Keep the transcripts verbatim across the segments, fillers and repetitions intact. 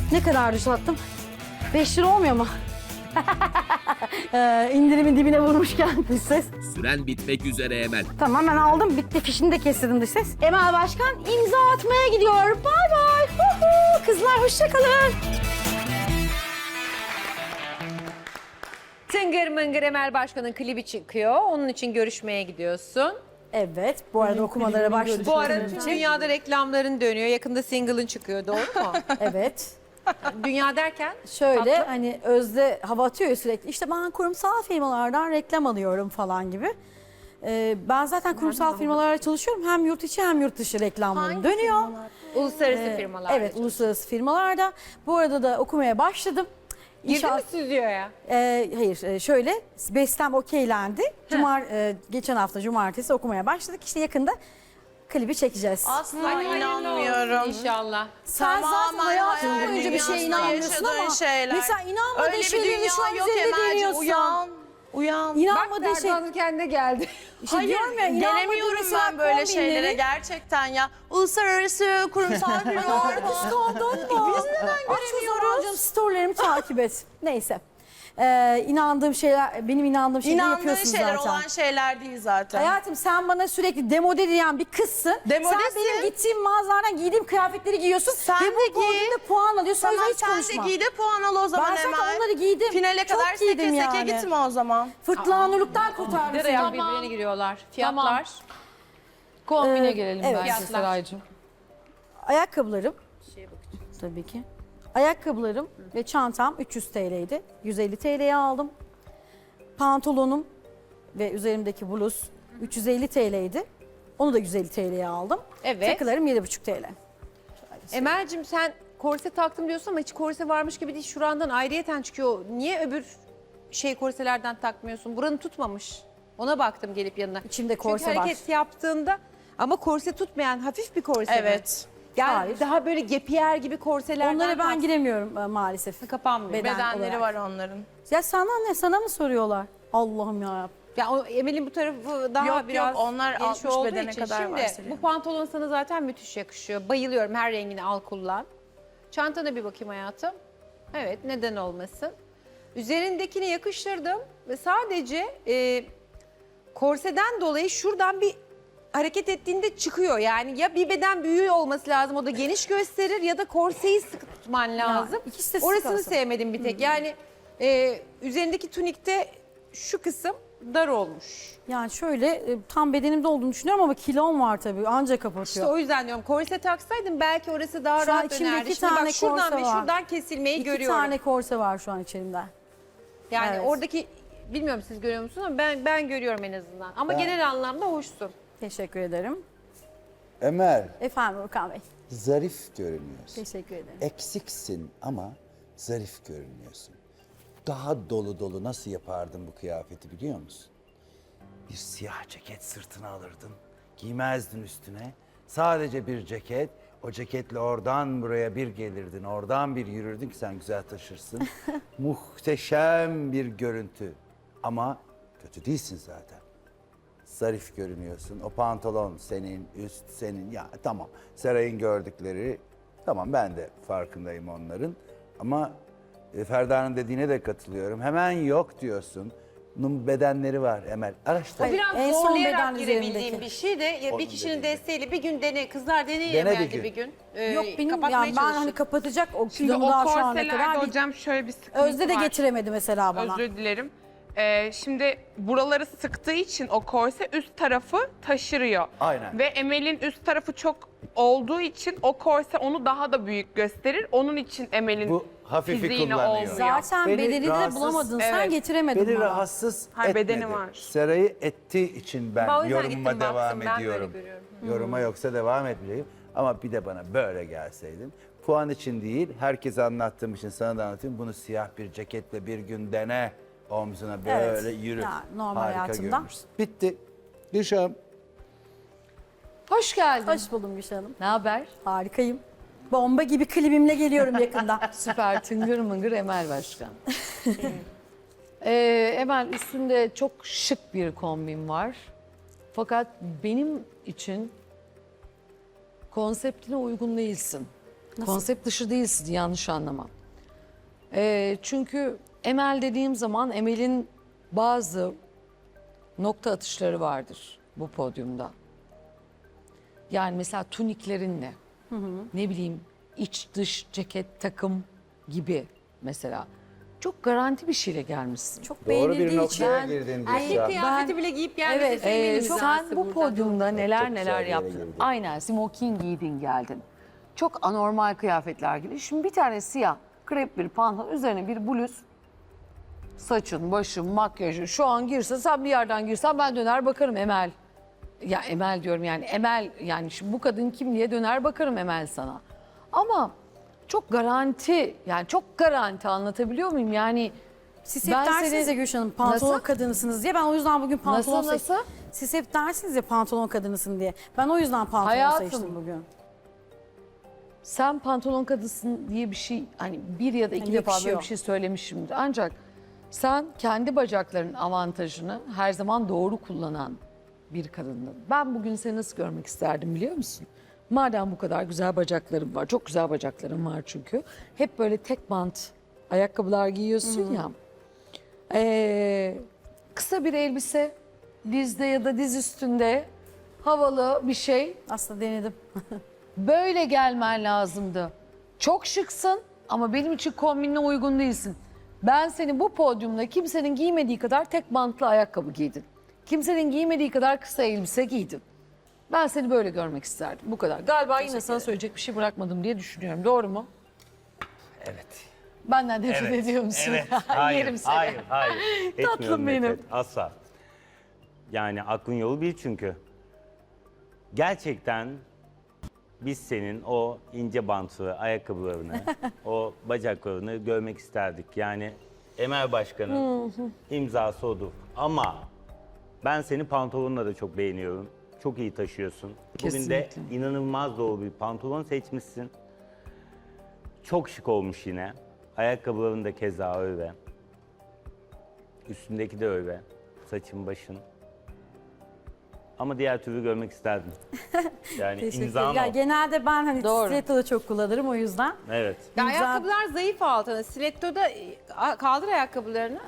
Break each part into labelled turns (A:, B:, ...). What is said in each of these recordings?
A: Ne kadar düzelttim? beş lira olmuyor mu? ee, indirimin dibine vurmuşken dış ses.
B: Süren bitmek üzere Emel.
A: Tamam ben aldım. Bitti. Fişini de kestirdim dış ses. Emel Başkan imza atmaya gidiyor. Bay bay. Huhu. Kızlar hoşça kalın.
C: Tıngır Mıngır Emel Başkan'ın klibi çıkıyor. Onun için görüşmeye gidiyorsun.
A: Evet. Bu arada okumalara başladık.
C: Bu arada tüm dünyada reklamların dönüyor. Yakında single'ın çıkıyor, doğru mu?
A: Evet.
C: Dünya derken?
A: Şöyle
C: Tatlı.
A: hani Özde hava atıyor ya sürekli. İşte ben kurumsal firmalardan reklam alıyorum falan gibi. Ee, ben zaten kurumsal firmalarla çalışıyorum. Hem yurt içi hem yurt dışı reklamlarım dönüyor.
C: Uluslararası
A: Ee,
C: firmalar.
A: Evet, uluslararası firmalarda. Bu arada da okumaya başladım.
C: Girdin
A: İnşallah-
C: mi stüdyoya?
A: Ee, hayır, e, şöyle bestem okeylendi. Cumar, e, geçen hafta cumartesi okumaya başladık. İşte yakında klibi çekeceğiz.
D: Asla
C: Hayırlı
D: inanmıyorum.
C: olsun İnşallah.
A: Sen zaten hayatın
D: hayal
A: boyunca bir şeye
D: dünyasında
A: inanmıyorsun
D: yaşadığın
A: ama
D: şeyler.
A: mesela inanmadığın
D: Öyle bir
A: şeyleri şu an
D: dünya yok
A: üzerinde
D: Emel'ciğim,
A: deniyorsun.
D: uyan. Uyan.
A: İnanmadığın şey...
C: Derdan'ın kendine geldi.
A: İşte
D: Hayır,
A: diyorum ya, inanmadığın
D: gelemiyorum
A: mesela
D: ben böyle
A: kombinleri-
D: şeylere gerçekten ya. Uluslararası kurumsal firmalar
A: Kıskandın mı?
D: Biz neden
A: Aç o zaman
D: göremiyoruz?
A: canım, storylerimi takip et. Neyse. Ee, inandığım şeyler, benim inandığım şeyleri
D: İnandığın
A: yapıyorsun
D: şeyler
A: zaten.
D: olan şeyler değil zaten.
A: Hayatım sen bana sürekli demode diyen bir kızsın.
D: Demodesin.
A: Sen benim gittiğim mağazalardan giydiğim kıyafetleri giyiyorsun.
D: Sen
A: ve
D: de
A: bu
D: giy.
A: podyumda puan alıyorsun. O
D: Tamam
A: yüzden hiç
D: sen
A: konuşma.
D: de giy de puan al o zaman
A: Ben zaten
D: Emel.
A: onları giydim.
D: Finale
A: Çok
D: kadar
A: giydim
D: seke seke
A: yani.
D: gitme o zaman.
A: Fırtlanurluktan kurtardım
C: Nereye
A: seni.
C: birbirine giriyorlar. Fiyatlar.
E: Kombine
A: Ee,
E: gelelim
A: evet.
E: bence
C: Fiyatlar.
E: Seraycığım.
A: Ayakkabılarım. Tabii ki. Ayakkabılarım ve çantam üç yüz T L'ydi. yüz elli T L'ye aldım. Pantolonum ve üzerimdeki bluz üç yüz elli T L'ydi. Onu da yüz elli T L'ye aldım.
C: Evet.
A: Takılarım yedi buçuk T L.
C: Emel'cim sen korse taktım diyorsun ama hiç korse varmış gibi değil. Şurandan ayrıyeten çıkıyor. Niye öbür şey korselerden takmıyorsun? Buranı tutmamış. Ona baktım gelip yanına.
A: İçimde korse
C: Çünkü
A: var.
C: hareket yaptığında ama korse tutmayan hafif bir korse mi?
D: Evet.
C: Yani
A: Hayır.
C: daha böyle gepiyer gibi korselerden
A: Onlara ben
C: tak-
A: giremiyorum e, maalesef.
C: kapanmıyor.
A: Beden
D: Bedenleri
A: olarak.
D: var onların.
A: Ya sana ne? Sana mı soruyorlar? Allah'ım ya.
C: Ya o Emel'in bu tarafı daha
D: Yok, yok,
C: biraz
D: onlar
C: geniş
D: altmış
C: olduğu
D: bedene
C: için.
D: kadar
C: Şimdi
D: var senin.
C: bu pantolon sana zaten müthiş yakışıyor. Bayılıyorum, her rengini al kullan. Çantana bir bakayım hayatım. Evet, neden olmasın. Üzerindekini yakıştırdım ve sadece e, korseden dolayı şuradan bir hareket ettiğinde çıkıyor. Yani ya bir beden büyüğü olması lazım, o da geniş gösterir, ya da korseyi sıkı tutman lazım.
A: ikisi de sık
C: Orasını
A: olsun.
C: sevmedim bir tek. Yani e, üzerindeki tunikte şu kısım dar olmuş.
A: Yani şöyle e, tam bedenimde olduğunu düşünüyorum ama kilom var tabii. Anca kapatıyor.
C: İşte o yüzden diyorum, korse taksaydım belki orası daha
A: Şu an
C: rahat
A: içimde
C: dönerdi.
A: iki
C: Şimdi
A: tane
C: bak şuradan
A: korse
C: ve
A: var.
C: şuradan kesilmeyi
A: İki
C: görüyorum.
A: tane korse var şu an içerimde.
C: Yani
A: Evet.
C: oradaki, bilmiyorum siz görüyor musunuz ama ben ben görüyorum en azından. Ama
F: Ben-
C: genel anlamda hoşsun.
A: Teşekkür ederim.
F: Emel,
A: Efendim Urkan Bey.
F: zarif görünüyorsun.
A: Teşekkür ederim.
F: Eksiksin ama zarif görünüyorsun. Daha dolu dolu nasıl yapardın bu kıyafeti biliyor musun? Bir siyah ceket sırtına alırdın, giymezdin üstüne. Sadece bir ceket, o ceketle oradan buraya bir gelirdin, oradan bir yürürdün ki sen güzel taşırsın. Muhteşem bir görüntü. Ama kötü değilsin zaten. Zarif görünüyorsun. O pantolon senin, üst senin. Ya tamam. Seray'ın gördükleri, tamam ben de farkındayım onların. Ama e, Ferda'nın dediğine de katılıyorum. Hemen yok diyorsun. Bunun bedenleri var Emel. Araştır.
A: Hayır,
C: Biraz
A: en son
C: zorlayarak
A: beden
C: girebildiğim
A: üzerindeki.
C: bir şey de ya
F: Onun
C: bir kişinin
F: dediği.
C: desteğiyle bir gün dene. Kızlar deneyin
F: Dene bir
C: Emel'de
F: gün.
C: bir gün. Ee,
A: Yok benim
C: kapatmaya
A: yani ben hani
C: çalışın.
A: kapatacak o
G: Şimdi
A: kilomu
G: o
A: daha şu ana
G: korselerde
A: kadar bir-
G: hocam şöyle bir sıkıntı
A: Özde de
G: var.
A: getiremedi mesela bana.
G: Özür dilerim. Ee, şimdi buraları sıktığı için o korse üst tarafı taşırıyor.
F: Aynen.
G: Ve Emel'in üst tarafı çok olduğu için o korse onu daha da büyük gösterir. Onun için Emel'in
F: Bu hafifi
G: fiziğine
F: kullanıyor.
G: olmuyor.
A: Zaten
F: Beni
A: bedenini de
F: rahatsız-
A: bulamadın. Sen
G: Evet.
A: getiremedin
F: Beni
A: bana.
F: rahatsız
G: Hayır,
F: etmedi.
G: bedeni var.
F: Seray'ı ettiği için ben
C: Ben o yüzden
F: yorumuma
C: gittim, baktım.
F: devam
C: Ben böyle
F: ediyorum.
C: görüyorum.
F: Yoruma yoksa devam etmeyeyim. Ama bir de bana böyle gelseydin. Puan için değil, herkese anlattığım için sana da anlatayım. Bunu siyah bir ceketle bir gün dene. Omzuna böyle
A: Evet,
F: yürü.
A: ya normal
F: Harika
A: hayatımda.
F: görünürsün. Bitti. Gülşah'ım.
E: Hoş geldin.
A: Hoş buldum Gülşah Hanım.
E: Ne haber?
A: Harikayım. Bomba gibi klibimle geliyorum yakında.
E: Süper tıngır mıngır Emel Başkan. ee, Emel üstünde çok şık bir kombin var. Fakat benim için konseptine uygun değilsin. Konsept dışı değilsin, yanlış anlamam. Ee, çünkü Emel dediğim zaman Emel'in bazı nokta atışları vardır bu podyumda. Yani mesela tuniklerinle, ne bileyim iç dış ceket takım gibi mesela. Çok garanti bir şeyle gelmişsin.
A: Çok
F: Doğru
A: beğenildiği
F: bir
A: için.
F: noktaya girdin
C: Erkek
F: Gülşah.
C: kıyafeti bile giyip gelmesi
A: Evet,
C: senin
E: Ee,
C: imzası
E: sen bu
C: burada.
E: podyumda neler
F: Çok güzel
E: neler
F: bir yere
E: yaptın.
F: girdin.
E: Aynen smoking giydin geldin. Çok anormal kıyafetler gibi. Şimdi bir tane siyah krep bir pantolon üzerine bir bluz. Saçın, başın, makyajın şu an girse sen bir yerden girsen ben döner bakarım Emel. Ya Emel diyorum yani Emel yani şimdi bu kadın kim diye döner bakarım Emel sana. Ama çok garanti yani çok garanti anlatabiliyor muyum? Yani
A: Siz hep
E: Ben
A: dersiniz
E: seni-
A: ya Gülşah Hanım pantolon
E: Nasıl?
A: kadınısınız diye. Ben o yüzden bugün pantolon
E: Nasıl,
A: seçtim.
E: nasıl?
A: Siz hep dersiniz ya pantolon kadınısın diye. Ben o yüzden pantolon
E: Hayatım.
A: seçtim bugün.
E: sen pantolon kadısın diye bir şey hani bir ya da iki
A: Yani
E: defa böyle
A: yakışıyor.
E: bir şey söylemişimdir. Ancak sen kendi bacaklarının avantajını her zaman doğru kullanan bir kadındın. Ben bugün seni nasıl görmek isterdim biliyor musun? Madem bu kadar güzel bacakların var, çok güzel bacakların var çünkü. Hep böyle tek bant ayakkabılar giyiyorsun ya. Ee, kısa bir elbise, dizde ya da diz üstünde havalı bir şey.
A: Aslında denedim.
E: Böyle gelmen lazımdı. Çok şıksın ama benim için kombinine uygun değilsin. Ben seni bu podyumda kimsenin giymediği kadar tek bantlı ayakkabı giydin. Kimsenin giymediği kadar kısa elbise giydin. Ben seni böyle görmek isterdim. Bu kadar. Galiba yine sana söyleyecek bir şey bırakmadım diye düşünüyorum. Doğru mu?
H: Evet.
E: Benden nefret
H: Evet.
E: ediyor musun?
H: Evet. Hayır,
E: Yerim seni.
H: hayır, hayır. Etmiyorum
E: Tatlım benim.
H: nefret, asla. Yani aklın yolu bir çünkü. Gerçekten biz senin o ince bantlı ayakkabılarını, o bacaklarını görmek isterdik. Yani Emel Başkan'ın imzası odur. Ama ben seni pantolonla da çok beğeniyorum. Çok iyi taşıyorsun. Bugün de
E: Kesinlikle.
H: inanılmaz doğru bir pantolon seçmişsin. Çok şık olmuş yine. Ayakkabıların da keza öyle. Üstündeki de öyle. Saçın, başın. Ama diğer türlü görmek isterdim. Yani
A: Teşekkür
H: imzan
A: ederim. Ya
H: o.
A: genelde ben hani
E: Doğru.
A: stiletto'da çok kullanırım o yüzden.
H: Evet.
C: Ya
A: İmza-
C: ayakkabılar zayıf altına. Stiletto'da e, a- kaldır ayakkabılarını.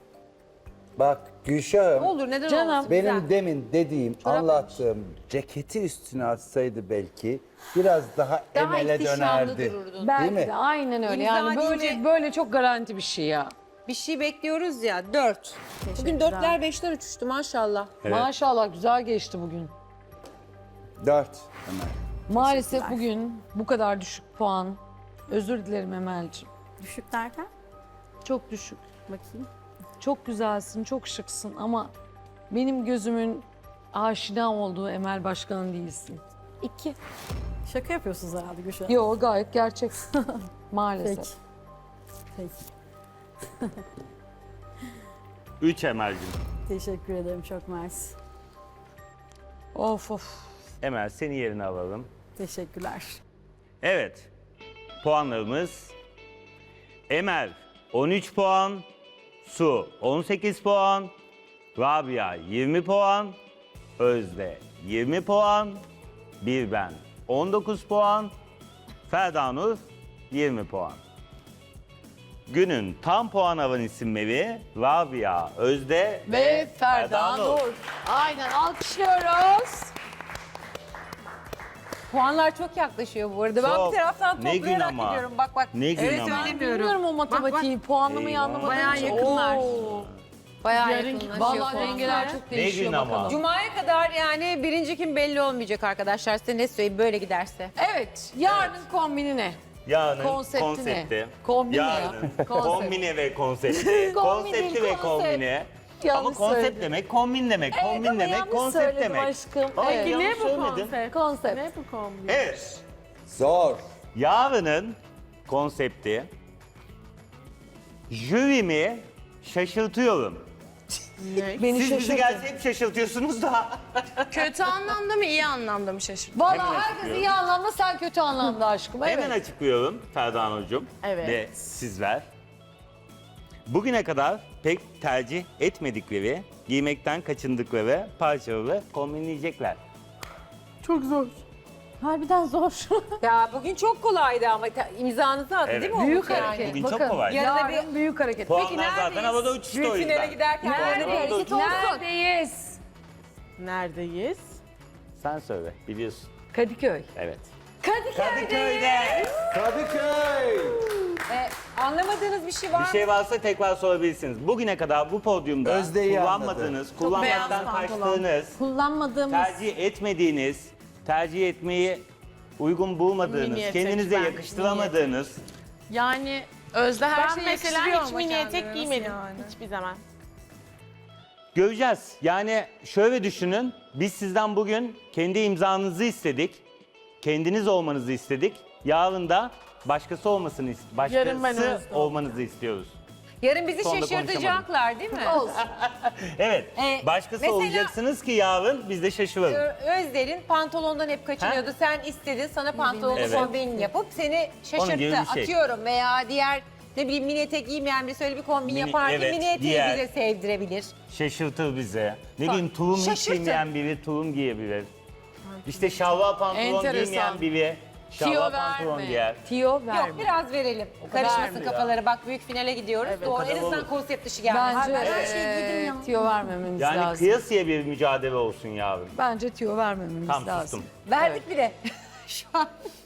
F: Bak Gülşah'ım,
C: Ne olur neden
E: Canım.
C: olmasın?
F: benim
C: Güzel.
F: demin dediğim, anlattığım ceketi üstüne atsaydı belki biraz daha,
C: Daha
F: Emel'e
C: ihtişamlı
F: dönerdi.
C: dururdun.
E: Belki
F: Değil mi?
E: de aynen öyle.
C: İmza
E: Yani böyle
C: deyince-
E: böyle çok garanti bir şey ya.
C: Bir şey bekliyoruz ya. Dört. Bugün dörtler beşler uçuştu maşallah.
H: Evet.
E: Maşallah güzel geçti bugün.
F: Dört. Emel.
E: Maalesef bugün bu kadar düşük puan. Özür dilerim Emel'ciğim.
A: Düşük derken
E: Çok düşük.
A: bakayım.
E: Çok güzelsin, çok şıksın ama benim gözümün aşina olduğu Emel Başkan değilsin. İki.
A: Şaka yapıyorsunuz herhalde Gülşah Hanım.
E: Yo gayet gerçek. Maalesef.
A: Peki. Peki.
H: Üç Emel'cim.
A: Teşekkür ederim çok mersi.
E: Of of.
H: Emel seni yerine alalım.
A: Teşekkürler.
H: Evet. Puanlarımız. Emel on üç puan. Su on sekiz puan. Rabia yirmi puan. Özde yirmi puan. Bir ben on dokuz puan. Ferdanur yirmi puan. Günün tam puan alan isimleri Rabia, Özde
E: Ve Ferda Nur. Aynen alkışlıyoruz.
C: Puanlar çok yaklaşıyor bu arada. Ben
H: Çok.
C: bir taraftan
H: Ne gün
C: toplayarak
H: ama.
C: gidiyorum. Bak bak.
H: Ne gün
C: evet,
H: ama.
C: söylemiyorum.
E: Bilmiyorum o matematiği, puanlamayı
H: Eyvah.
E: anlamadığım
C: Bayağı
E: için.
C: yakınlar.
E: Oo.
C: Bayağı
E: Yarın-
C: yakınlaşıyor
E: Vallahi
C: puanlar.
E: dengeler çok değişiyor
H: gün ama.
E: bakalım.
C: Cuma'ya kadar yani birinci kim belli olmayacak arkadaşlar. Size ne söyleyeyim böyle giderse.
E: Evet, yarının kombini ne?
H: Yarının
E: Konsepti ne?
H: konsepti.
E: Kombine ya.
H: Yarının
E: Konsept.
H: kombine ve konsepti.
E: Kombin
H: konsepti
E: değil,
H: ve
E: konsept.
H: kombine.
E: Yanlış
H: Ama konsept
E: söyledim.
H: demek, kombin demek.
E: Evet,
H: kombin
E: ama
H: demek,
E: yanlış
H: konsept
E: söyledim
H: demek.
E: aşkım.
H: Ay,
E: Evet.
H: yanlış söyledin.
E: Konsept.
H: Evet.
F: Zor.
H: Yarının konsepti jürimi şaşırtıyorum.
E: Beni
H: Siz bizi
E: şaşırtın.
H: gelse hep şaşırtıyorsunuz da.
D: Kötü anlamda mı iyi anlamda mı şaşırdın?
H: Hemen
E: Valla herkes
H: açıklıyorum.
E: iyi anlamda, sen kötü anlamda aşkım. Evet.
H: Hemen açıklıyorum Ferdan Hocam
E: Evet.
H: ve sizler. Bugüne kadar pek tercih etmedikleri, giymekten kaçındıkları parçaları kombinleyecekler.
A: Çok zor. Harbiden zor.
C: Ya bugün çok kolaydı ama ta- imzanızı attı
H: Evet.
C: değil mi? o
E: Büyük
C: yani?
E: hareket.
H: Bugün çok
E: Bakın,
H: kolay.
C: Yarın da
E: Yarın büyük hareket.
H: Puanlar zaten
C: neredeyiz?
H: havada uçuştu o
C: Büyük
H: yüzden.
C: finale giderken
H: Puanlar
C: nerede
H: havada
C: hareket
H: uçuştu.
C: olsun?
E: Neredeyiz?
G: Neredeyiz?
H: Sen söyle, biliyorsun.
E: Kadıköy.
H: Evet.
C: Kadıköy'de.
F: Kadıköy!
C: Ee, anlamadığınız bir şey var
H: Bir
C: mı?
H: şey varsa tekrar sorabilirsiniz. Bugüne kadar bu podyumda
F: Özde'yi
H: kullanmadığınız, kullanmaktan
A: beyaz pantolon.
H: kaçtığınız,
A: Kullanmadığımız
H: tercih etmediğiniz, tercih etmeyi uygun bulmadığınız,
G: Mini etek
H: kendinize
G: ben,
H: yakıştıramadığınız,
D: Yani Özde her
G: Ben
D: şeyi
G: mesela
D: yakıştırıyor
G: hiç
D: ama
G: mini
D: kendine,
G: etek
D: nasıl
G: giymedim.
D: yani?
G: Hiçbir zaman.
H: göreceğiz. Yani şöyle düşünün, biz sizden bugün kendi imzanızı istedik, kendiniz olmanızı istedik. Yarın da başkası olmasını, ist-
G: Yarın ben
H: başkası
G: Özde
H: olmanızı istiyoruz.
C: Yarın bizi
H: Sonunda
C: şaşırtacaklar değil mi?
H: Evet,
C: Ee,
H: başkası
C: mesela-
H: olacaksınız ki yarın biz de şaşıralım.
C: Ö- Özder'in pantolondan hep kaçınıyordu. Sen istedin, sana pantolonlu
H: Evet.
C: kombin yapıp seni
H: Onun gibi
C: şaşırttı.
H: bir şey.
C: Atıyorum veya diğer ne bileyim mini etek giymeyen birisi öyle bir kombin
H: Mini-
C: yapar ki
H: evet,
C: mini eteği
H: diğer-
C: bize sevdirebilir.
H: Şaşırtır bize. Ne bileyim tulum hiç
C: Şaşırtın.
H: giymeyen biri tulum giyebilir. İşte şalvar pantolon
E: Enteresan.
H: giymeyen biri şalvar
E: Tiyo
H: pantolon
E: verme.
H: giyer.
E: Tiyo verme.
C: Yok biraz verelim. Karışmasın
H: vermiyor.
C: kafaları. Bak büyük finale gidiyoruz. Doğru, en
H: kadar
C: azından
H: olur.
C: konsept dışı gelmez.
E: Bence
A: ben her şeyi giydim
E: eee,
A: ya.
E: tiyo vermememiz
H: Yani
E: lazım.
H: kıyasıya bir mücadele olsun yarın.
E: Bence tiyo vermememiz
H: Tam
E: lazım.
H: sustum.
C: Verdik bile. Şu an.